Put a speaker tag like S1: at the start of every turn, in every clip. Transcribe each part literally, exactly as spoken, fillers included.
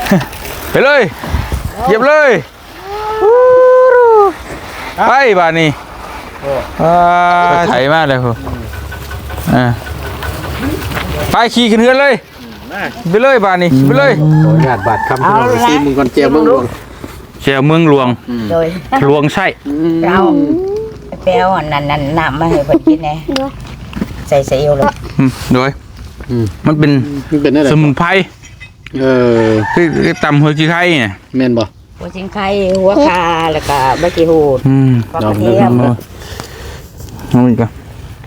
S1: ไปเลยเหยียบเลยไปบ้านนี้ไถมากเลยคุณไปขี่ขึ้นเรือนเลยไปเลยบ้านนี้ไปเลย
S2: ญาติบาดคำที่เราซีมึงก่อนเจียวเมืองหลวง
S1: เจียวเมืองหลวง
S3: โดย
S1: หลวงใช่
S3: เราแป้วนั่นนั่นน้ำมาให้เพิ่นกินแน่ใส่ใส่เอวเลย
S1: โดยมันเป็นสมุนไพร
S2: เออ
S1: คือตำหัวจีไข่เนี่ย
S2: แม่นบ่
S3: หัวจิงไข่หัวคาแล้วก็ใบกีหูดปลากระเทียม
S1: เอาอีกอ่ะ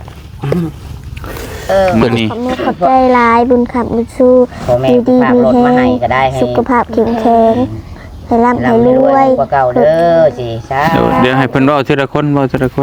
S3: เออ
S1: ตัวนี้
S4: ขอบคุณขอบใจลายบุญขับบุญสู้ดีดีมีแห้งสุขภาพแข็งแรงให้ร่ำให้รวย
S3: กว่าเก่าเด้อสิใช่
S1: เดี๋ยวให้เพิ่นเว้าทีละคนเว้าทีละคน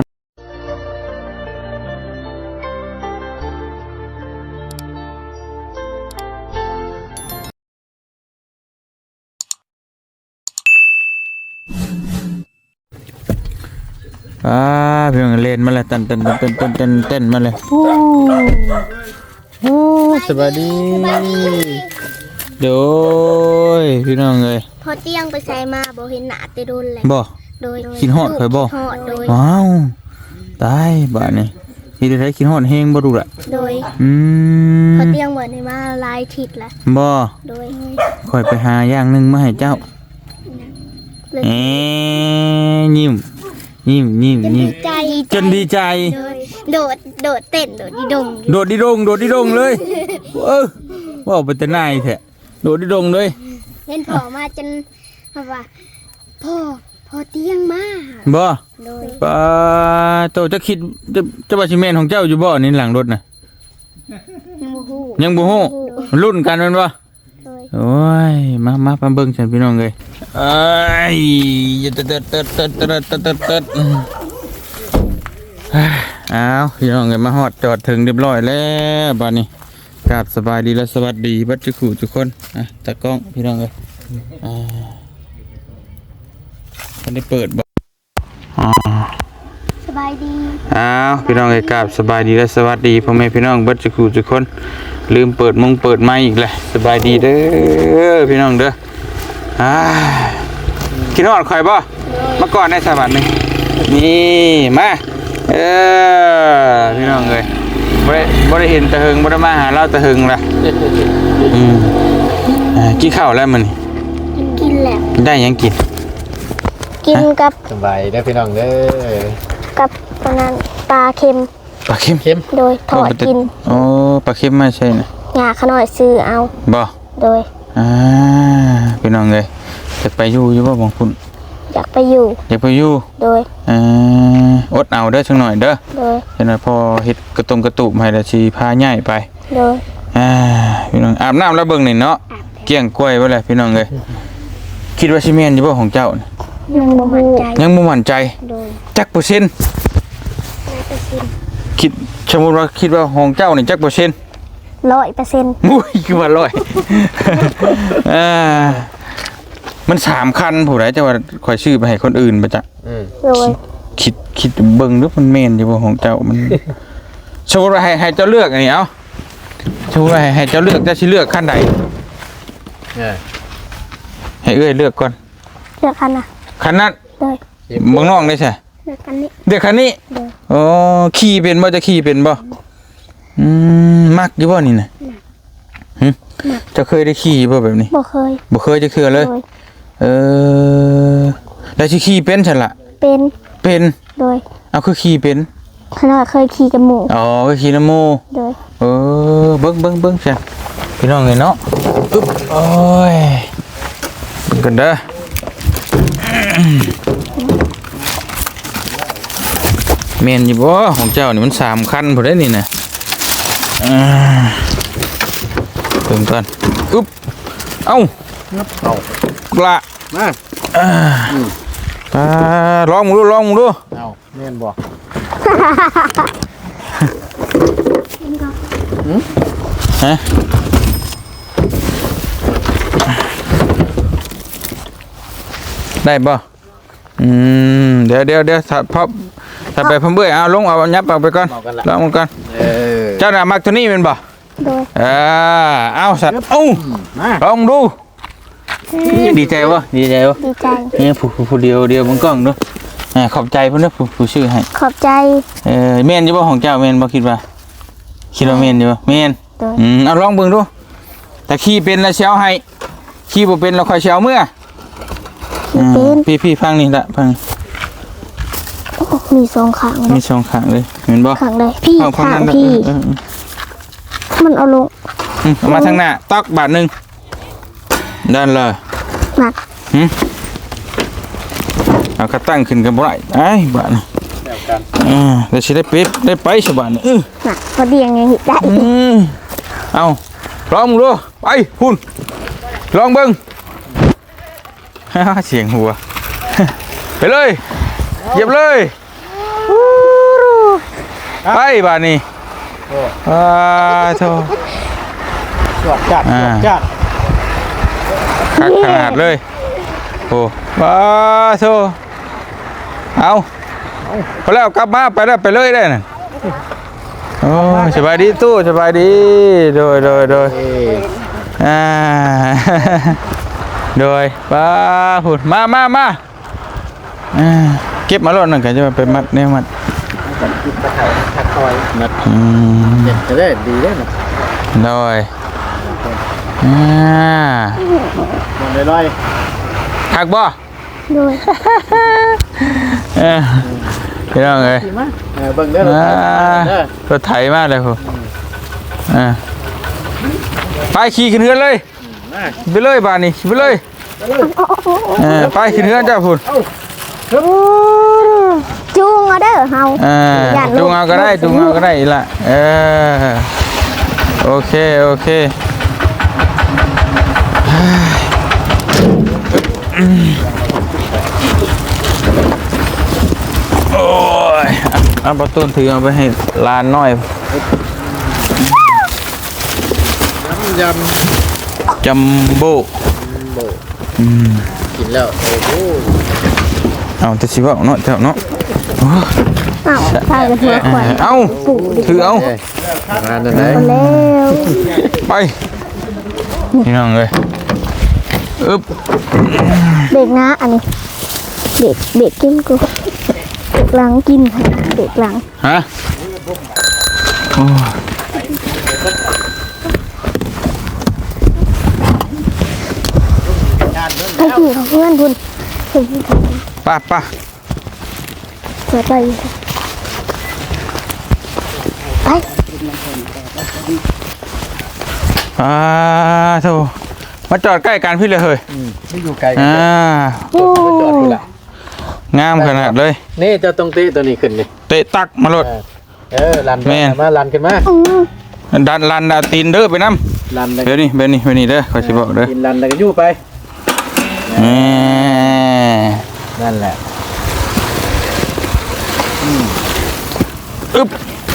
S1: อ่าเพียงเล่นมาเลยเต้นเต้นเต้นเต้นเต้นเต้นมาเลยโอ้โหสวัสดีโดยพี่น้องเลย
S4: พอเตียงไปใส่มาบ่เห็นหน้าแต่โดนเลย
S1: บ่
S4: โดย
S1: กินฮอดเคยบ่ว้าวตายบ้านนี่ที่ได้กินฮอดแห้งบ่รู้ละ
S4: โดย
S1: อืม
S4: พอเตียงเหมือนในมาลายทิศละ
S1: บ่
S4: โดย
S1: ค่อยไปหาอย่างนึงมาให้เจ้าเอ๊ยิ้มยิ้มยิ้มยิ้มจนดีใจ
S4: โดดโดดเต้นโดดดิดง
S1: โดดดิดงโดดดิดงเลยเออว่าเป็นแต่นายแท้โดดดิดงเลย
S4: เห็นพ่อมาจนว่าพ่อพ่อเตียงมา
S1: บ่ป้าโตจะคิดจะจะว่าสิแม่นของเจ้าอยู่บ่นี่หลังรถน่ะยังบ่ฮู้รุ่นกันแม่นบ่โอ้ยมามามาเบิ่งฉันพี่น้องเลยเอ้ยเติดเติดเติดเติดเติดเติดเติดเติดอ้าวพี่น้องเลยมาฮอดจอดถึงเรียบร้อยแล้วบ้านนี้กราบสบายดีและสวัสดีบัดจุกุทุกคนอ่ะตากล้องพี่น้องเลยอ่ามันได้เปิดบ่อ๋อ
S4: สบายดี
S1: อ้าวพี่น้องเลยกราบสบายดีและสวัสดีพ่อแม่พี่น้องบัดจุกุทุกคนลืมเปิดมุงเปิดไม้อีกเลยสบายดีเด้อพี่น้องเด้ออ่ากินฮอดข่อยบ่มาก่อนได้สวัสดีนี่มาเออพี่น้องเลยบ่ได้บ่ได้เห็นตะหึงบ่ได้มาหาเราตะหึงล่ะอืมอ่ากินข้าวแล้วมื้อนี้
S4: กินแล้ว
S1: ได้ยังกิน
S4: กินกับ
S2: สบายได้พี่น้องเด้อ
S4: กับปลานั้นปลาเค็ม
S1: ปลาเค็ม
S2: เค็ม
S4: โดยทอดกิน
S1: โอ้ปลาเค็มไม่ใช่นะ
S4: หญ้าขน้อยซื้อเอา
S1: บ่
S4: โดย
S1: อ่าพี่น้องเลยจะไปอยู่อยู่บ่บางคุณ
S4: อยากไปอยู่
S1: อยากไปอยู่
S4: โดย
S1: อ่าอดเอาเด้อจังหน่อยเด้อ
S4: โดย
S1: เห็นว่าพอเฮ็ดกระตุมกระตุบให้ละสิพาย้ายไป
S4: โดย
S1: อ่าพี่น้องอาบน้ำแล้วเบิ่งนี่เนาะเกี้ยงกล้วยไว้เลยพี่น้องเลยคิดว่าสิแม่นอยู่บ่ของเจ้า
S4: ยังบ่มั่นใจ
S1: ยังบ่มั่นใจจักเปอร์เซ็นต์คิดสมมุติว่าคิดว่าของเจ้านี่จักเปอร์เซ็นต์
S4: ร้อยเปอร์เซ็นต์
S1: อุ้ยคือว่าร้อยอ่ามันสามคันผู้ใดจะว่าข่อยชื่อไปให้คนอื่นบ่จ๊ะ
S2: อืม
S1: คิดคิดเบิ่งดูมันแม่นอยู่บ่ของเจ้ามันสมมุติว่าให้ให้เจ้าเลือกอันนี้เอ้าสมมุติว่าให้ให้เจ้าเลือกจะสิเลือกคันใด
S2: เออ
S1: ให้เอ้ยเลือกก่อน
S4: เลือกคันน่ะ
S1: คันนั้น
S4: เลย
S1: เบิ่งน้องได้ใช่
S4: เลือกคันนี้
S1: เลือกคันนี้อ๋อขี่เป็นบ่จะขี่เป็นบ่อืมมักอยู่บ่นี่น่ะหึจะเคยได้ขี่บ่แบบนี้
S4: บ่เคย
S1: บ่เคยจะคือเลยเออแล้วสิขี่เป็นซั่นล่ะ
S4: เป็น
S1: เป็น
S4: โดย
S1: เอาคือขี่เป็น
S4: ขนาดเคยขี่กับหมู่
S1: อ๋อเคยขี่นำหมู่
S4: โดย
S1: เออเบิ่งเบิ่งเบิ่งซั่นพี่น้องเอ้ยเนาะอึ๊บโอ้ยกันเด้อแม่นอยู่บ่ของเจ้านี่มันสามคันพุ่นได้นี่น่ะอ่าเบิ่งก่อนอึ๊บเอ้า
S2: เอา
S1: ละ
S2: มา
S1: อ่าอ่าลองมึงดูลองมึงดู
S2: เอาแม่นบ่
S1: ฮะได้บ่อืมเดี๋ยวเดี๋ยวเดี๋ยวถ้าพอถ้าไปพร้อมเบื่อเอาลงเอายับเอาไปก่อนลองมันก่อนเจ้าหน้ามักตัวนี้เป็นบ่เออเอาสัตว์เอ้าลองดูดีใจบ่ดีใจบ่
S4: ดีใจ
S1: นี่ผู้ผู้ผู้เดียวเดียวบนกล้องเนาะอ่าขอบใจเพิ่นเด้อผู้ผู้ชื่อให้
S4: ขอบใจ
S1: เออแม่นอยู่บ่ของเจ้าแม่นบ่คิดว่าคิดว่าแม่นอยู่บ่แม่น
S4: โดย
S1: อืมเอาลองเบิ่งดูแต่ขี่เป็นแล้วสิเอาให้ขี่บ่เป็นแล้วค่อยสิเอาเมื่อ
S4: เป็น
S1: พี่พี่ฟังนี่ละฟัง
S4: โอ้มีสองข้าง
S1: มีสองข้างเลยเห็นบ่
S4: ข้างใดพี่
S1: เอาข้าง
S4: ข้าง
S1: นั้น
S4: พี่
S1: เออเออ
S4: มันเอาลง
S1: อืมเอามาทางหน้าตอกบาทหนึงด้านเลย
S4: หนัก
S1: หึเอากระตั้งขึ้นกันบ่ได้ไอ้บาทนี่
S2: แล้วกัน
S1: อ่าแล้วสิได้เป็ดได้ไปสบายนี่เออ
S4: หนักพอดียังไงได้
S1: อืมเอาลองมึงดูไปพุ่นลองเบิ่ง ฮ่าเสียงหัว ไปเลยเหยียบเลยไปบาทนี่
S2: โอ้
S1: อ่าโธ่
S2: สวดจัดสวดจัด
S1: คักขนาดเลยโอ้ว้าโธ่เอาพอแล้วกลับมาไปแล้วไปเลยได้น่ะโอ้สบายดีตู้สบายดีโดยโดยโดย
S2: เอ้ย
S1: อ่า โดยป้าหุ่นมามามาอ่าเก็บมาโลดหนึ่งกันจะไปมัดเนี่ยมัด
S2: กันกินปลาไทยทักคอยนัด
S1: อืม
S2: เด็ดจะได้ดีได้นะ
S1: โดยอ่า
S2: ลงเลยร้อย
S1: หักบ่
S4: โดย
S1: เออพี่น้องเอ้ย
S2: ดีมากเออเบิ่งเด้อรถ
S1: อ่า
S2: ไถเด้อ
S1: รถไถมากเลยคุณอ่าไปขี่ขึ้นเฮือนเลย
S2: มา
S1: ไปเลยบ้านนี้ไปเลยเออไปขึ้นเฮือนเจ้าพุ่น
S4: จูงเอาเด้อเฮา
S1: อ่า
S4: ย่านลูก
S1: จุงเอาก็ได้จุงเอาก็ได้อีกละเออโอเคโอเคโอ้ยเอาประตูถือเอาไปให้ลานน้อย
S2: น้ำย
S1: จัมโบ้
S2: ำโบ
S1: อืม
S2: กินแล้วโอ้โห
S1: เอาแต่ชิว่าเนาะเจ้าเนาะโอ้ย
S4: อ้าวพากันหัวขวัญ
S1: เอาถือเอา
S2: เอ้ยงานนั่นไหน
S4: เอาแล้ว
S1: ไปนี่น้องเลยอึ๊บ
S4: เบรกนะอันนี้เบรกเบรกกินกูเบรกหลังกินเบรกหลัง
S1: ฮะโอ้ย
S4: ไอ้พี่ของเพื่อนคุณเห็นที่
S1: ไป้าป้า
S4: เสือไปไป
S1: อ่าโธ่มาจอดใกล้กันพี่เลยเฮ้ย
S2: อืมไม่อยู่ไกลกัน
S1: อ่า
S2: จอดจอดกูละ
S1: งามขนาดเลย
S2: นี่เจ้าต้องเตะตัวนี้ขึ้นนี่
S1: เตะตักมาโลด
S2: เออเออลัน
S1: แม่น
S2: มาลันขึ้นมา
S4: อืม
S1: ดันลันดาวตีนเด้อไปน้
S2: ลัน
S1: ำเดี๋ยวนี้เดี๋ยวนี้เดี๋ยวนี้เด้อขอชิบอกเด้อ
S2: กินลันแล้วก็ยู่ไป
S1: แหม
S2: นั่นแหละ
S1: อึ๊บ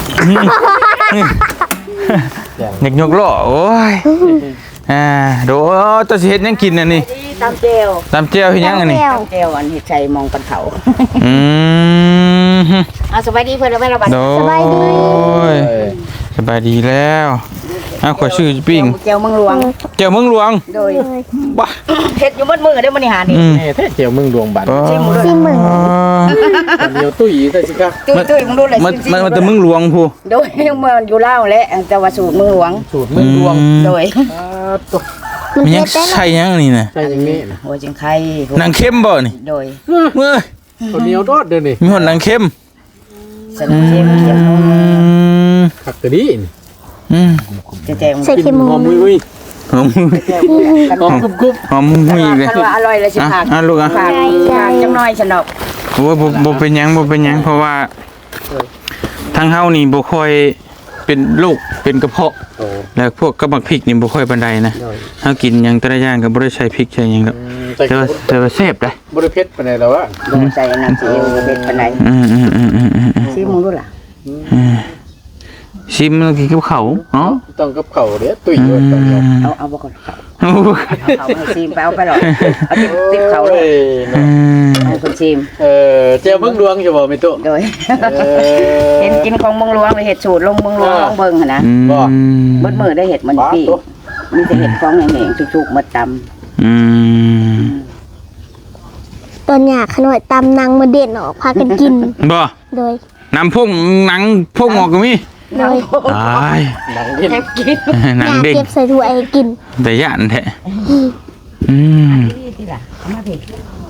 S1: อยากยกล้อโอ้ยอ่าโดตัวสิเฮ็ดหยังกินอันนี้
S3: ตามเจล
S1: ตำเจียวเฮ็ดหยังอันนี้
S4: แก้ว
S3: ตามเจลอันเห็ดใจมองกันเขา
S1: อืม
S3: อ่ะสบายดีเพื่อนไม่ระบาด
S1: โดย
S4: สบายดี
S2: เออ
S1: สบายดีแล้วอ้าวขอชื่อปิ้ง
S3: เจลเมืองหลวง
S1: เจ้าเมืองหลวง
S3: โดย
S1: บ้า
S3: เห็ดอยู่มืดมือได้อมันนี่หานี่
S1: อืม
S2: นี่แท้เจียวมึงดวงบัตร
S4: ซิมมึง
S2: เดียวตุ้ยใส่สิครับ
S3: ตุ้ยตุ้ยมึงดูเลย
S1: มันมันมันแต่เมืองหลวงผู้
S3: โดยเมืองอยู่เล่าวและแต่ว่าสูตรเมืองหลวง
S2: สูตรมึงดวง
S3: โดย
S2: อ่าตัว
S4: มัน
S1: มัน
S4: เผ็
S1: ยัง
S4: ดได้นะ
S1: ใช่ยังนี่นะ
S2: ใช่อย่างนี้นะ
S3: หัวจิงไข่
S1: นางเข้มบ่นี่
S3: โดย
S1: เมื่อ
S2: ตัวเหนียวทอดเด้อนี่
S1: มีหนนางเข้ม
S3: สนุกเค็มเค็ม
S1: อืม
S2: ขักกระดิ่ง
S1: อืม
S3: เจ๊แจง
S4: ใส่เค็มหมู
S2: หอมมุ้ยมุ้ย
S1: หอม
S3: กัน
S2: หอมกรุบกรุบ
S1: หอมหุยอีกเลย
S3: คันว่าอร่อยเลยสิ
S1: อ่ะ
S3: ผัก
S1: อ่ะลูกอ่ะ
S3: ผักผักจังน้อยฉันดอก
S1: โอ้ยบ่บ่เป็นหยังบ่เป็นหยังเพราะว่าทางเฮานี่บ่ค่อยเป็นโรคเป็นกระเพาะ
S2: โอ้
S1: แล้วพวกกระบักพริกนี่บ่ค่อยปานใดนะเฮากินหยังแต่ละอย่างก็บ่ได้ใช้พริกใช้หยังดอก
S2: ใส่
S1: แต่ว่าแต่ว่าแซ่บได้
S2: บริเพชรไปไหนแล้ววะ
S3: โดนใจอันนั้นสิเอวเด็ดปานใด
S1: อืมอืมอืมอืมอืม
S3: ซิมึงดูล่ะ
S1: อืมชิมแล้วกินกับข้าวเนาะ
S2: ต้องกับเข่าเด้อตุ้ย
S1: อื
S2: ด้วยตอนนี้
S1: ม
S3: เอาเอาบ่ก่อนเขา
S1: โอ้ย
S3: เอาเขาให้ซิมไปเอาไปหรอกเอาติดติดเขาเลย
S1: อื
S2: เนาะ
S1: ม
S3: ให้คนซิม
S2: เออเจ้ามึงดวงอยู่บ่ไม่ตุ้
S3: โดย
S2: เออ
S3: เห็นกินของเมืองหลวงเลยเห็ดสูตรลงเมืองหลวงลองเบิ่งหั่นนะ
S1: อืม
S2: บ่
S3: เบิดมือได้เห็ดมัน
S2: ปลา
S3: พี่
S2: ตัว
S3: มีแต่เห็ดของแห้งๆชุกๆมาต
S1: อืม
S4: ตอนอยากขน่อยตำนางมาเด่นออกพากันกิน
S1: บ่
S4: โดย
S1: น้ำพุ่งหนังพุ่งออกก็มี
S4: โดย
S1: ตาย
S2: หนังดิ้น
S3: แทบกิน
S1: หนั
S4: อง ยาก
S1: เด้ง
S4: เก็บใส่ถ้วยให้กิน
S1: แต่ย่านแท้อืม
S3: ที่ที่ล่ะเอามาพี่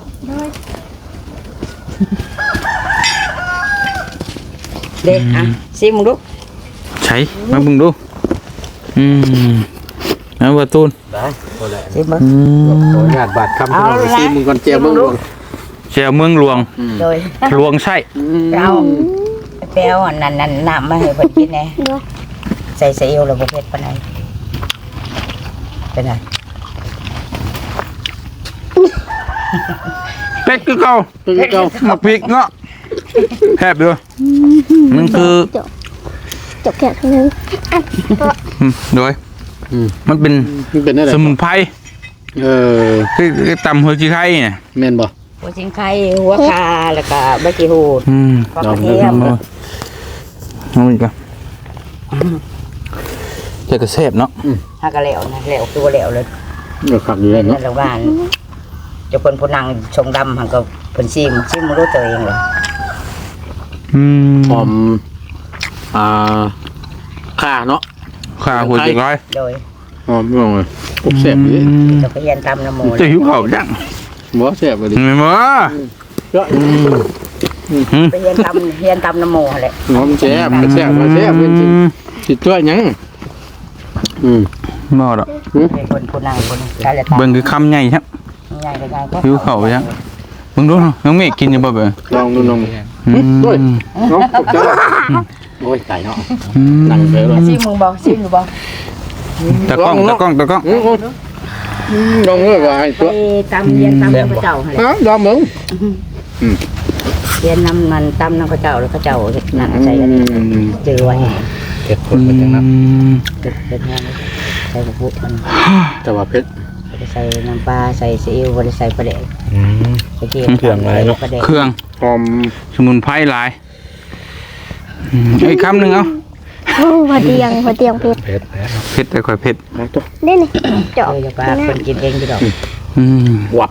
S3: เด็กอ่ะซิมึงดู
S1: ใช้มาเบิ่งดูอืมเอาว่าตูน
S2: ได้บ่แหละ
S3: ซิมึง
S1: อืม
S2: ขออนุญาตบาดคำพี่น้องไปซีมึงก่อนเจียวมึงก่อน
S1: เจ้าเมืองหลวง
S3: โดย
S1: หลวงไส้
S3: เอาแป้วอันนั้นนั่นน้ำมาให้เพิ่นกินแหน่
S4: โดย
S3: ใส่ซีอิ๊วแล้วบ่เผ็ดปานใดเป็นไง
S1: เป็ดคือเก่า
S2: ตัวเก่า
S1: หมักพริกเนาะแทบด้วยมันคือ
S4: จบจบแค่เท่านั้น
S1: อืมโดย
S2: อืม
S1: มันเป็น
S2: มันเป็นอะไร
S1: สมุนไพร
S2: เออ
S1: คือคือตำหัวจีไข่เนี่ย
S2: แม่นบ่
S3: หัวชิงไข่หัวคาแล้วก็ใบกีหูด
S1: อืม
S3: ปลากระเทียม
S1: เอาอีกแล้วแต่ก็แซ่บเนาะ
S3: ถ้ากระเหลวนะเหลวตัวเหลวเลย
S2: เดี๋ยวขับอยู่เลย
S3: นั่
S2: เนาะ
S3: นละบ้านจะเพิ่นผู้นั่งชงดำหันก็เพิ่นซิมซิมบ่รู้ตัวเองเลย
S1: อืม
S2: หอมอ่าข่าเนาะ
S1: ขาหัวจีไข่
S3: โดย
S2: หอมพี่น้องเลยพวกแซ่บเลย
S3: จะไปเรียนตำน้ำหมู
S1: จะหิวข้าวยัง
S2: บ่แซ่บเลยดิ
S1: ไม่มา
S2: เยอะ
S3: ไปเรียนตำเรียนตำน้ำหมูหั่นแหละ
S2: หอมแซ่บแซ่บแซ่บเป็นจริงสิตัวหยังอืม
S1: บ่ดอก
S3: เป็นคนผู้นั่งคนใช้ละตำ
S1: เบิ่งคือคำใหญ่ครับ
S3: ใหญ่ก็ใหญ่ก็
S1: หิวข้าวยังเบิ่งดูเนาะน้องเมฆกินอยู่บ่เบิ่ง
S2: ลองดูน้อง
S1: อืม
S2: ด้วยเนาะตกใจโอ้ยไก่เนาะ
S1: อืม
S2: นั่งไปเลย
S3: ซิมมึงบ่ซิมอยู่บ่
S1: ตะกล้องตะกล้องตะกล้อง
S2: อืมลองเลยว่าให้
S3: ไป
S2: ตัว
S3: ตำเรียนตำน้ำพระเจ้าหั่นแหละ
S2: ฮะลองมึง
S3: เรียนน้ำมันตำน้ำพระเจ้าแล้วพระเจ้านั่งใส่อันนี้จือไว้
S2: เผ็ดคนเป็นจังนั้น
S3: เป็นงานใส่กระปุกมัน
S2: แต่ว่าเผ็ด
S3: บ่ได้ใส่น้ำปลาใส่ซีอิ๊วบ่ได้ใส่ปลาแดกไปเกี่ยว
S2: เครื่องหลายเนาะ
S3: ปลาแดก
S1: เครื่อง
S2: หอม
S1: สมุนไพรหลายอืมอีกคำหนึ่งเอา
S4: โอ้พอเตียงพอเตียงเพชร
S2: เผ็ดแล้ว
S1: เผ็ดแต่ค่อยเผ็ด
S2: นะตัว
S4: ได้เลยเจาะ
S3: เอออย่าปลาคนกินเองพี่ดอก
S1: อืม
S2: วับ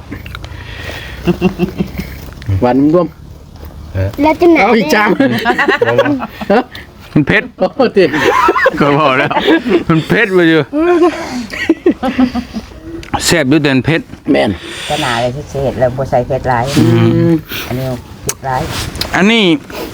S2: หวานร่วม
S4: แล้วจะไหน
S2: เอาอีกจาน
S1: มันเผ็ด
S2: โอ้ติ
S1: ก็บอกแล้ว มันเผ็ดไปอยู่แซ่บด้วยแต่มันเผ็ด
S2: แม่น
S3: ก็หนาเลยที่เห็ดแล้วบ่ใส่เผ็ดหลายอันนี้พริกหลาย
S1: อันนี้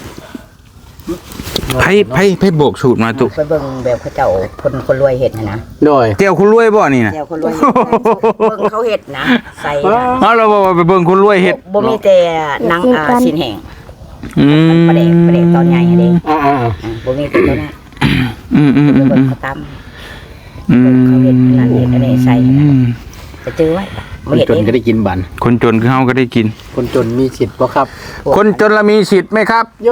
S1: ไผ่ไผ่ไผ่โบกสูตรมาตุ
S3: ไปเบิ่งแบบเขาเจ้าคนคนรวยเห็ดนะนะ
S2: โดย
S1: เตียวคุณรวยบ่นี่นะ
S3: เจ้าคนรวยเฮ็ดเบิ่งเขาเห็ดนะใส่นะ
S1: เอาเราบอกว่าไปเบิ่งคุณรวยเฮ็ด
S3: บ่มีแต่หนังอ่าสินแห้ง
S1: อืม
S3: ปลาแดกปลาแดกตอนใหญ่อันนี้
S2: อ่า
S3: อ่าบ่มีแต่ตัวนั้น
S1: อืมอืม
S3: ไป
S1: อืม
S3: เบิ่
S1: อื
S3: ง
S1: ม
S3: เขาต
S1: อืม
S3: เขาเฮ็ดนั่นเฮ็ดอันนี้ใส่นะ
S1: อืม
S3: ำไปจื้อไว้
S2: ค
S3: บ่
S2: น
S3: เฮ็ด
S2: จน
S3: เอง
S2: ก็ได้กินบัน
S1: คนจนคือเฮาก็ได้กิน
S2: คนจนมีสิทธิ์บ่ครับ
S1: คนจนละมีสิทธิ์ไหมครับ
S2: โย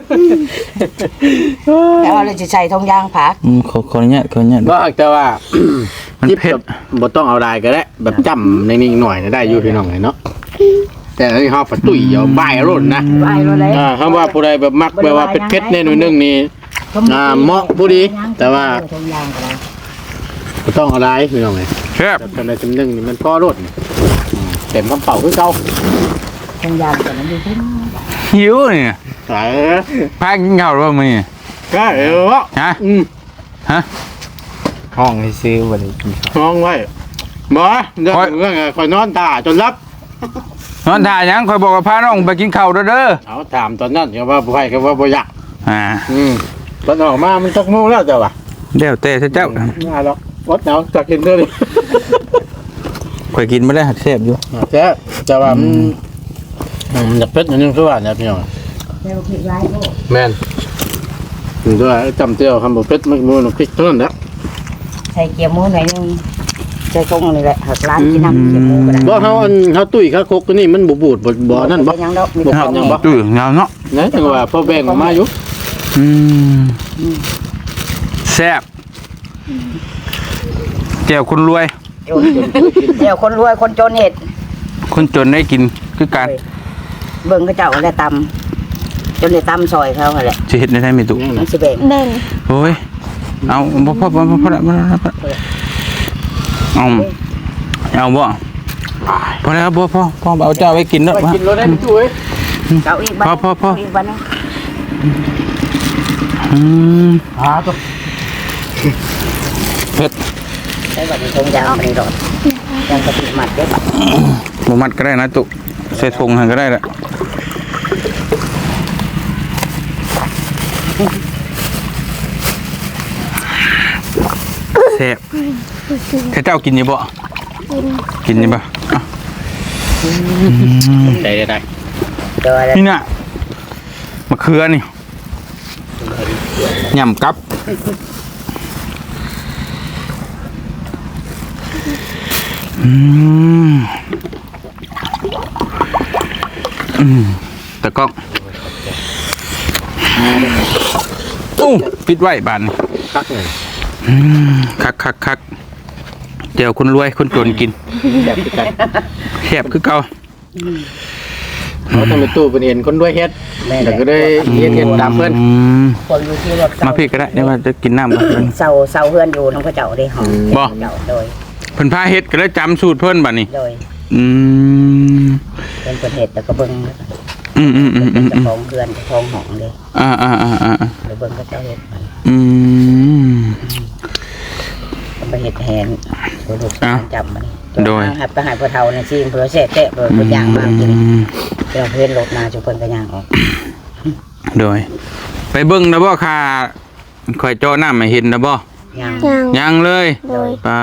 S3: แต่ว่าเราสิใส่ทงยางผัก
S1: อืมขอขออนุญาตขออนุญาต
S2: ก็แต่ว่า
S1: มัน
S2: จิ๊บ
S1: เผ็ด
S2: แบบบ่ต้องเอาได้ก็ได้แบบจ้ำนิ่งๆหน่อยนะได้อยู่พี่น้องเลยเนาะแต่อันนี้เฮาฝัดตุ้ยเอาบ่ายรุ่นนะ
S3: ไว้เลย
S2: อ่าคำว่าผู้ใดแบบมักแบบว่าเผ็ดๆแน่หน่อยนึงนี่อ่าเหมาะผู้ดีแต่ว่า
S3: ทงยางก็ได้
S2: บ่ต้องเอาได้พี่น้องเลย
S1: แซ่บ
S2: แต่ทำในจำนึงนี่มันพอรดนี่อืมเต็มกระเป๋าคือเก่า
S3: ทงยางก็มันอยู่ที่
S1: หิวนี่
S2: ขาย
S1: พากินข้าวหรือเปล่ามื้อนี้
S2: ก็เออวะ
S1: ฮะ
S2: อืม
S1: ฮะ
S5: ห้องให้ซื้อวันนี้กินข้าว
S2: ห้องไว้บ่เรื่องเรื่องคอยนอนตาจนรับ
S1: นอนท่าหยังคอยบอกว่าพาน้องไปกินข้าวเด้อเด้อ
S2: เอาถามตอนนั้นก็ว่าบ่ให้ก็ว่าบ่อยาก
S1: อ่า
S2: อืมตอนออกมามันจักโมงแล้วเจ้าว่ะ
S1: เดี๋ยวแต่เจ้า
S2: ง่ายหรอกวดเอาจักกินเด้อดิ
S1: ข่อยกินไม่ได้หัดแซ่บอยู่
S2: แท้แต่ว่ามันมันจะเผ็ดนิดนึงคือว่าเนี่ยพี่น้อง
S3: เร็วผิดไรโอ้
S2: แม่นถึงด้วยจำเจียวคำบ่เผ็ดมันบ่พริกเท่านั้นแหละ
S3: ใส่เกี๊ยวหมูหน่อยนึงใส่กงนี่แหละหักร้านกินน้ำเกี๊ยวหมูก็ได้
S2: บ่เฮาอันเฮาตุ้ยข้าวคกตัวนี้มันบ่บูดบ่บ่นั่นบ่
S3: ยังดอกมี
S2: บ่
S3: แต่
S2: ฮอดยังบ่
S1: ตื้อเงาเนาะ
S2: นะจังว่าพอแบ่งออกมาอยู่
S1: อืมแซ่บแก้วคนรวย
S3: เดี๋ยวคนรวยคนจนเห็ด
S1: คนจนได้กินคือการ
S3: เบิ่งเขาเจ้าได้ตำจนได้ตำซอยเขาหั่นแหละ
S1: สิเฮ็ดได้ได้มีตุ
S3: มันสิแบ่ง
S4: แบ่ง
S1: โอ้ยเอาบ่พอบ่พอบ่พอเอาเอาบ่พอแล้วพ่อพ่อพ่อเอาเจ้าไว้กินเนาะ
S2: ไปกินรถได้ตู้เอ้ย
S3: เจ้าอีกบ้าน
S1: พอพอพอ
S3: อีกบ้านนึง
S1: อืม
S2: หาตัว
S1: เผ็ด
S3: ใช้บัตรทงยางมันนี่รถยังกระติกมัดเด้อ
S1: บ่มัดก็ได้นะตุใส่ถุงให้ก็ได้แหละแซ่บถ้าเจ้ากินอยู่บ่กินอยู่บ่อ่ะ
S2: ใจได้
S3: เจอแล้ว
S1: นี่น่ะมะเขือนี่ยำกับอืมอืมตะก้องอู้ปิดไว้บานนี่
S2: คักเลย
S1: อืมคักคักคักเดี๋ยวคนรวยคนจนกิน
S2: แบบคือกัน
S1: แคบคือเก่า
S2: เขาทำเป็นตู้เป็นเห็นคนด้วยเฮ็ดแต่ก็ได้เฮ็ดเฮ็ดตามเพื่อน
S1: อืม
S3: คนอยู่ที่รถ
S1: มาพี่ก็ได้เดี๋ยวว่าจะกินน้ำก่อน
S3: เสาเสาเฮือนอยู่น้องพระเจ้าได้หอม
S1: บ่
S3: เจ้าโดย
S1: เพิ่นพาเฮ็ดก็เลยจำสูตรเพิ่นบัดนี้
S3: โดย
S1: อืม
S3: เป็นประเทศแต่ก็เบิ่ง
S1: อืมอืมอืมอื
S3: เป็น
S1: ม
S3: เจ้าของเฮือนเจ้าของหองเลย
S1: อ่าอ่าอ่าอ่า
S3: หรือเบิ่งก็เจ้าเฮ็ดมัน
S1: อืม
S3: ไปเฮ็ดแทนผู้ลูก
S1: อ้าว
S3: จำมัน
S1: โดย
S3: หับไปหาผู้เฒ่าในซีมผู้เสพเตะผู้ผู้ย่างมากินเดี๋ยวเพิ่นรถนาจุเพิ่นก็ย่างออก
S1: โดย ไปเบิ่งนะบ่ค่ะข่อยเจาะน้ำให้เห็นนะบ่
S3: ย่าง
S4: ยัง
S1: ยังเลย
S4: โดย
S1: ป้า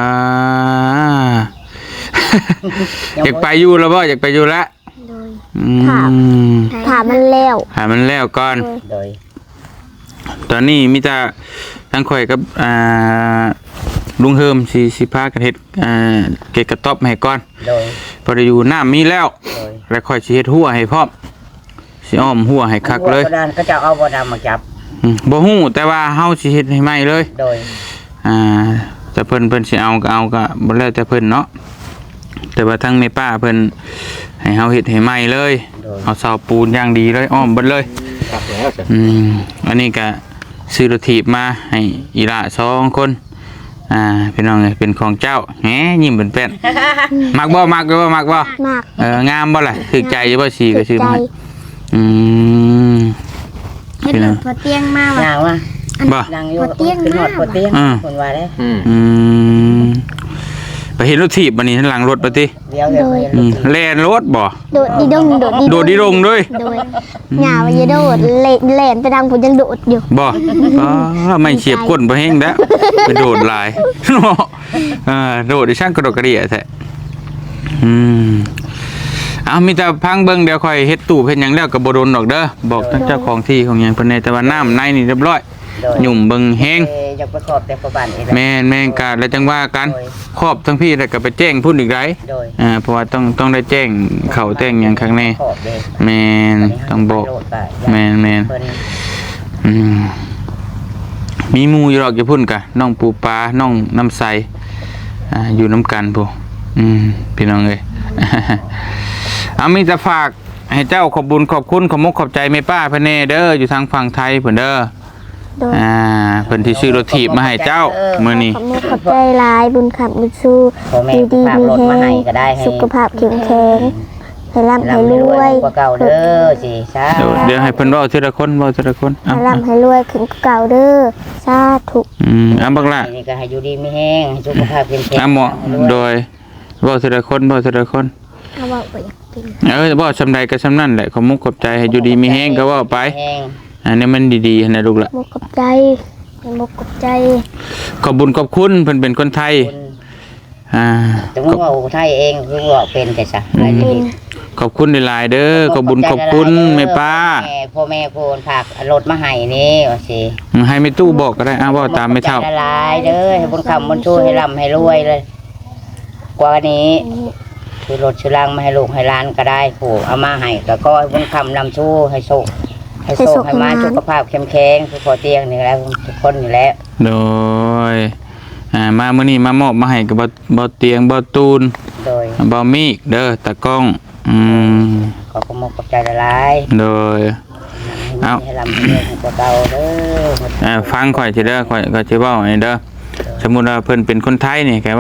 S1: อยากไปอยู่แล้วบ่อยากไปอยู่แล้ว
S4: โดย
S1: อื
S4: ถาม
S1: ม
S4: ถามมันแล้ว
S1: หามันแล้วก่อน
S3: โดย
S1: ตอนนี้มีแต่ทั้งข่อยกับอ่าลุงเฮิมสิสิพากันเฮ็ดอ่าเกตกระต๊อบให้ก่อน
S3: โดย
S1: พอได้อยู่น้ำมีแล้ว
S3: โดย
S1: แล้วค่อยสิเฮ็ดหัวให้พร้อมสิอ้อมหัวให้คักเลย
S3: หัวกระดานก็จะเอาบ่ดำมาจับ
S1: อืมบ่ฮู้แต่ว่าเฮาสิเฮ็ดให้ใหม่เลย
S3: โดย
S1: อ่าแต่เพิ่นเพิ่นสิเอาก็เอาก็บ่แล้วแต่เพิ่นเนาะแต่ว่าทั้งแม่ป้าเพิ่นให้เฮาเฮ็ดให้ใหม่เลย
S3: โดย
S1: เอาเสาปูนอย่างดีเลยอ้อมเบิดเลย
S2: คักแล้วจ้ะ
S1: อืมอันนี้ก็ซื้อรถถีบมาให้อีหละสองคนอ่าพี่น้องเอ้ยเป็นของเจ้าแหมยิ้มเป็นแป้น มักบ่มักบ่มักบ่
S4: มาก
S1: เอองามบ่ล่ะถูกใจอยู่บ่สีก็ซื้อ
S4: ใจ
S1: มาให้อืม
S4: เฮ็ดหลุดพอเตียงมาว่ะ
S3: ย่างว่า
S1: บ่
S3: นั่งอยู่
S4: หัวเตียง
S3: ขึ้นหอด
S4: มาก
S3: หัวเตียง
S1: อืม
S3: คนว่าได้
S2: อืม
S1: อืมไปเห็นรถถีบบัดนี้หลังรถบ่ติ
S3: เดี๋ยวเดี๋ยวเดี๋ยว
S1: อืม
S3: เดี๋ยว
S1: แล่นรถบ่
S4: โดดดีดงโดดดี
S1: โดดดีลงด้วย
S4: โดยหญ้าว่าอย่าโดดเล่นเล่นไปดังผมยังโดดอยู่
S1: บ่อ๋อไม่เฉียบก้นบ่แห้งแล้วไปโดดหลาย เนาะอ่าโดดดิช่างกระโดดกระเดี่ยแท้อืมเอามีแต่พังเบิ่งเดี๋ยวค่อยเฮ็ดตู้เฮ็ดหยังแล้วก็บ่โดนดอกเด้อบอกทางเจ้าของที่ของหยังเพิ่นแน่แต่ว่าน้ำในนี่เรียบร้อย
S3: โดย
S1: หยุ่มเบิ่งแห้ง
S3: เอ่ออยากไปขอบแต่ประบานอีก
S1: แม่นแม่นกาแล้วจังว่ากันครอบทั้งพี่แล้วก็ไปแจ้งพุ่นอีกได
S3: โดย
S1: อ่าเพราะว่าต้องต้องได้แจ้งเขาแจ้งหยังข้างใน
S3: ขอบเลย
S1: แม่นต้องบอก
S3: โดดไป
S1: แม่นแม่น
S3: เพิ่น
S1: อืมมีหมูอยู่หรอกอย่าพุ่นกะน้องปูปลาน้องน้ำใสอ่าอยู่น้ำกันพูอืมพี่น้องเลย เอามีจะฝากให้เจ้าขอบบุญขอบคุณขอบมุกขอบใจแม่ป้าเพิ่นแน่เด้ออยู่ทางฝั่งไทยเพิ่นเด้อ
S4: โดย
S1: อ่าเพิ่นที่ซื้อรถถีบมาให้เจ้ามื้อนี้
S4: ขอบคุณขอบใจหลายบุญขับบุญสู้
S3: พ่อแม่
S4: ดีดี
S3: ฝาก
S4: มี
S3: รถ
S4: แฮ
S3: มาให้
S4: ง
S3: ก็ได้ให้
S4: สุขภาพแข็งแรงให้ร่ำให้
S3: ร่ำ
S4: ร
S3: ให้ร
S4: ว
S3: วย
S4: ย
S3: กว่าเก่าเด้อสิสา
S1: เดี๋ยวเดี๋ยวให้เพิ่นเว้าทีละคนเว้าทีละคน
S4: ให้
S1: เอา
S4: ร่ำให้รวยขึ้นกว่าเก่าเด้อสาธุ
S1: อืมเอาบักล่ะ
S3: นี่ก็ให้อยู่ดีมีแห้งให้สุขภาพแข็งแรง
S1: เอาหมอโดยเว้าทีละคนเว้าทีละคน
S4: เอาว่าบ่อยากกิน
S1: เออเว้าซำใดก็ซำนั้นแหละขอบมุกขอบใจให้อยู่ดีมีแฮงก็เว้าไป
S3: แห้ง
S1: อันนี้มันดีๆนะลูกละ
S4: มุกกับใจให้มุกกับใจ
S1: ขอบบุญขอบคุณเพิ่นเป็นคนไทย
S3: คุณ
S1: อ่า
S3: ถึงว่าไทยเองคือว่าเป็นแต่ซะอะไร
S4: เป็
S3: ดี
S4: น
S1: ขอบคุณหลายๆเด้อขอบบุญขอบคุณแม่ป้า
S3: แม่พ่อแม่พูนฝากรถมาให้นี่ว่าสิ
S1: ให้แม่ตู้บอกก็ได้อ้าวเว้าตามไม่เท่า
S3: ใจละลายเด้อให้บุญคำบุญชูให้ร่ำให้รวยเลย กว่านี้คือรถชื่อลังมาให้ลูกให้หล้านก็ได้ผูกเอามาให้ก็ก็ให้บุญคำนำชูให้โชคให้โชคให้มาสุขภาพเข้มแข็งคือพอเตียงนี่แหละทุกคนอยู่แล้ว
S1: โดยอ่ามามื้อนี้มามอบมาให้กับบ่บ่เตียงบ่ตูน
S3: โดย
S1: บ่มีกเด้อตะกล้องอืม
S3: ขอขมกขอบใจละลาย
S1: โดย เอา
S3: ให้ร่ำให้รวยให้กว่าเก่าเด้อ
S1: อ่าฟังข่อยสิเด้อข่อยก็สิเว้าให้เด้อสมมุติว่าเพิ่นเป็นคนไทยนี่แกว่า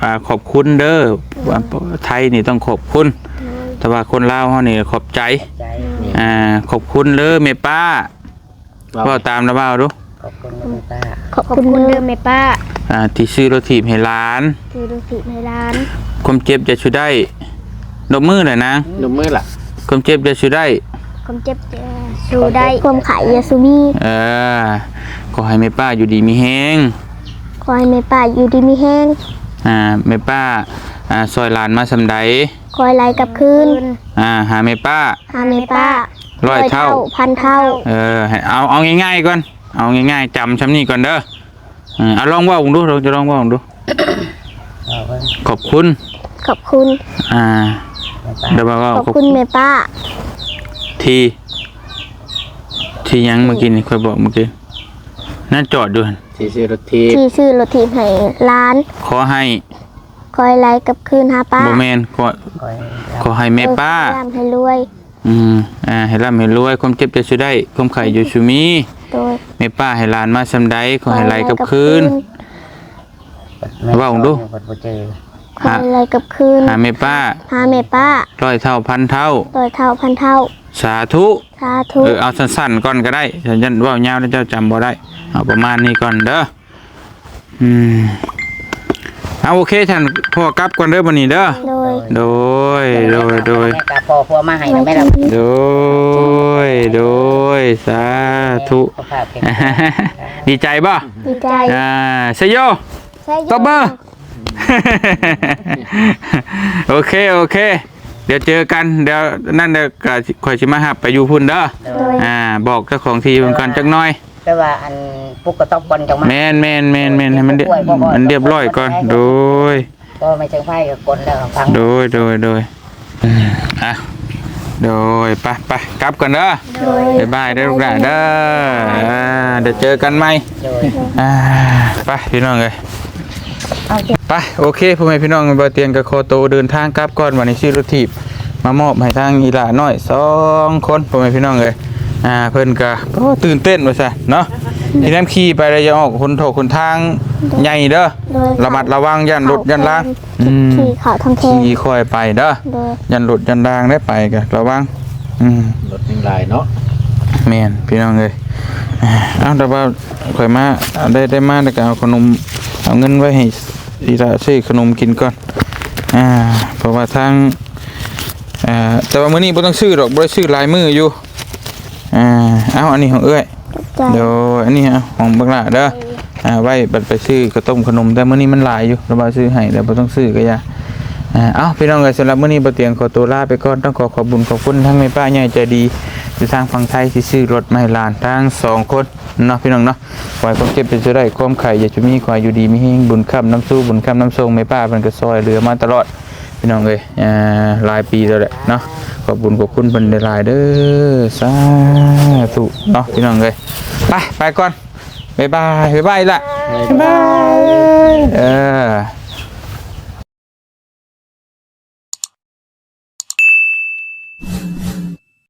S1: อ่าขอบคุณเด้อว่าไทยนี่ต้องขอบคุณแต่ว่าคนลาวเฮานี่ขอบใจ
S3: ใจ
S1: อ่าขอบคุณเด้อแม่ป้าก็ตามนะบ่าวดู
S3: ขอบคุณคุณป้า
S4: ขอบคุณเด้อแม่ป้า
S1: อ่าที่ซื้อรถถีบให้หลาน
S4: คือดูสิในร้าน
S1: ความเจ็บจะช่วยได้ดอกมือหน่อยนะ
S2: นมมือล่ะ
S1: ความเจ็บจะช่วยได้
S4: ความเจ็บจะสู้ได้ความไข่ยาสูบี
S1: เออขอให้แม่ป้าอยู่ดีมีแฮง
S4: คอยแม่ป้าอยู่ดีมีแห้ง
S1: อ่าแม่ป้าอ่าซอยหลานมาสำใด
S4: คอยไล่กลับคืน
S1: อ่าหาแม่ป้า
S4: หาแม่ป้า
S1: ร้อยเท่า
S4: พันเท่า
S1: เออให้เอาเอาง่ายๆก่อนเอาง่ายๆจำช้ำนี่ก่อนเด้อเออเอาลองว่าผมดูเราจะลองว่าผมดู
S3: เอาไว้
S1: ขอบคุณ
S4: ขอบคุณ
S1: อ่า
S3: แม่ป้า
S1: เดี๋ยวบอกว่า
S4: ขอบ
S1: ขอบ
S4: คุณแม่ป้า
S1: ทีที่ยังเมื่อกี้นี่ค่อยบอกเมื่อกี้นั่นจอดดูหั่น
S2: ที่ซื้อรถทีบ
S4: ที่ชื่อรถถีบให้ร้าน
S1: ขอให้
S4: คอยไล่กลับคืนหาป้า
S1: โบแมนขอ
S3: คอย
S1: ขอให้แม่ป้า
S4: เออร่ำให้รวย
S1: อืมอ่าให้ร่ำให้รวยความเจ็บจะช่วยได้ความไข่อยู่ชูมี
S4: โดย
S1: แม่ป้าให้หลานมาสำใดขอให้ไหลกับคืน ว่าผมดู
S3: คนบ่เจอ
S4: คอยไล่กลับคืน
S1: หาแม่ป้า
S4: หาแม่ป้า
S1: ร้อยเท่าพันเท่า
S4: โดยเท่าพันเท่า
S1: สาธุ
S4: สาธุ
S1: เออเอาสั้นๆก่อนก็ได้ฉันยันว่ายาวแล้วเจ้าจำบ่ได้เอาประมาณนี้ก่อนเด้ออืมเอาโอเคท่านพ่อกลับก่อนเด้อวันนี้เด้อ
S4: โดย
S1: โดยโดยโดย
S3: แม่กาพอพัวมาให้นะแม่เรา
S1: โดยโดยสาธุ
S3: สุขภาพแข็งแรง
S1: ดีใจป่ะ
S4: ดีใจ
S1: อ่าสยโย
S4: ใช่
S1: ตบเบอร์ โอเคโอเค เดี๋ยวเจอกันเดี๋ยวนั่นเดี๋ยวก็คอยชิมาหับไปอยู่พุ่นเด้อ
S4: โดย
S1: อ่าบอกเจ้าของทีมันก่อนจักหน่อย
S3: แต่ว่าอันปุ๊กก็ต้องปนจังมา
S1: แมนแมนแมนแมนให้มันเรียมันเรียบร้อยก่อนโดย
S3: ก็ไม่เชิงไพ่กับกลแล้วฟัง
S1: โดยโดยโดยอืมอ่ะโดยไปไปกลับกันเด้อ
S4: โดย
S1: บ๊ายบายเด้อลูกหลานเด้ออ่าเดี๋ยวเจอกันใหม่
S3: โดย
S1: อ่าไปพี่น้องเลย
S3: เอาเถอะ
S1: ไปโอเคพ่อแม่พี่น้องบ่เตียงกับโคโตเดินทางกลับก่อนวันนี้ชื่อรถถีบมามอบให้ทางอีหลาน้อยสองคนพ่อแม่พี่น้องเลยอ่าเพิ่นก็โอ้ตื่นเต้นว่าซะเนาะที่น้ำขี่ไปแล้วอย่าออกคนโถคนทางใหญ่เด้อ
S4: โดย
S1: ระมัดระวังยันรถยันล่างอืม
S4: ขี่เขาทางแค
S1: ขี่ค่อยไปเด้อ
S4: โดย
S1: ยันรถยันล่างได้ไปก็ระวังอืม
S2: รถหนึ่งลายเนาะ
S1: แม่นพี่น้องเลยอ่าเอ้าแต่ว่าข่อยมาได้ได้มาแล้วก็เอาขนมเอาเงินไว้ให้อีหลาซื้อขนมกินก่อนอ่าเพราะว่าทางอ่าแต่ว่ามื้อนี้บ่ต้องซื้อดอกบ่ได้ซื้อหลายมื้ออยู่อ่าเอาอันนี้ของเอ้ย
S4: ใจ
S1: เดี๋ยวอันนี้เอาของบักหลาเด้ออ่าไว้บัดไปซื้อข้าวต้มขนมแต่มื้อนี้มันหลายอยู่เราบ่ซื้อให้แล้วบ่ต้องซื้อก็อย่าอ่าเอ้าพี่น้องเอ้ยสำหรับมื้อนี้บ่เตียงขอตัวลาไปก่อนต้องขอขอบคุญขอบคุณทั้งแม่ป้าใหญ่ใจดีที่ทางฝั่งไทยที่ซื้อรถมาให้หลานทั้งสองคนเนาะพี่น้องเนาะขอให้ความเจ็บเป็นจะได้ความไข่อย่าจะมีขอให้อยู่ดีมีแฮงบุญค้ำน้ำสู้บุญค้ำน้ำทรงแม่ป้าเพิ่นก็ซอยเหลือมาตลอดพี่น้องเอ้ยอ่าหลายปีแล้วแหละเนาะขอบคุญขอบคุณเพิ่นหลายๆเด้อสาธุเนาะพี่น้องเอ้ยไปไปก่อนบ๊ายบายบ๊ายบายละบ๊ายบายเออ